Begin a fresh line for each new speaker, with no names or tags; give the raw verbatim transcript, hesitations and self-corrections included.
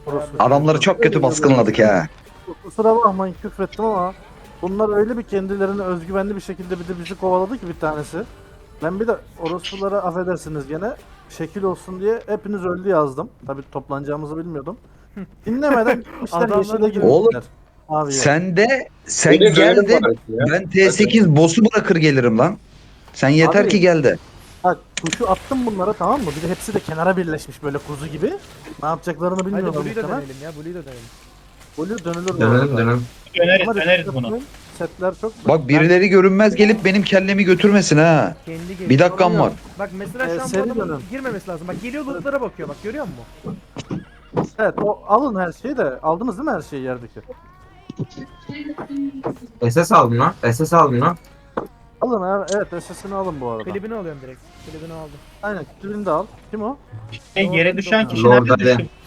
Orası.
Adamları çok kötü baskınladık ha.
Kusura bakmayın küfrettim ama bunlar öyle bir kendilerini özgüvenli bir şekilde bir de bizi kovaladı ki bir tanesi. Ben bir de orospulara affedersiniz gene şekil olsun diye hepiniz öldü yazdım. Tabii toplanacağımızı bilmiyordum. Dinlemeden gitmişler
Adamlar
yeşile
bir de-
Oğlum
girmişler. Abiye.
sen de sen
Bir de
gel
dönelim
de
bari ya.
ben T sekiz boss'u bırakır gelirim lan. Sen yeter
Abi-
ki gel de.
Bak tuşu attım bunlara tamam mı? Bir de hepsi de kenara birleşmiş böyle kuzu gibi. Ne yapacaklarını
Hadi
bilmiyorlar
Blue'yu da
muhtemelen.
dönelim ya. Blue'yu da dönelim.
Volü dönülür bu
Dönelim
arada.
dönelim.
Döneriz
Ama
döneriz
dikkat
bunu.
etmeyin, setler çok...
Bak birileri görünmez gelip benim kellemi götürmesin ha.
Kendi geliyor.
Bir dakikam var.
Bak mesela
Ee,
şu an bu
seri
adamın
dönün.
girmemesi lazım. Bak geliyor lootlara bakıyor bak görüyor musun?
Evet o alın her şeyi de aldınız değil mi her şeyi yerdeki?
S S aldım lan. S S aldım lan.
Alın ha, evet S S'ini alın bu arada.
Klibini alıyorum direkt. Klibini aldım.
Aynen klibini de al. Kim o?
Şey, yere düşen kişi
Lord
nerede
Ali.
düştü?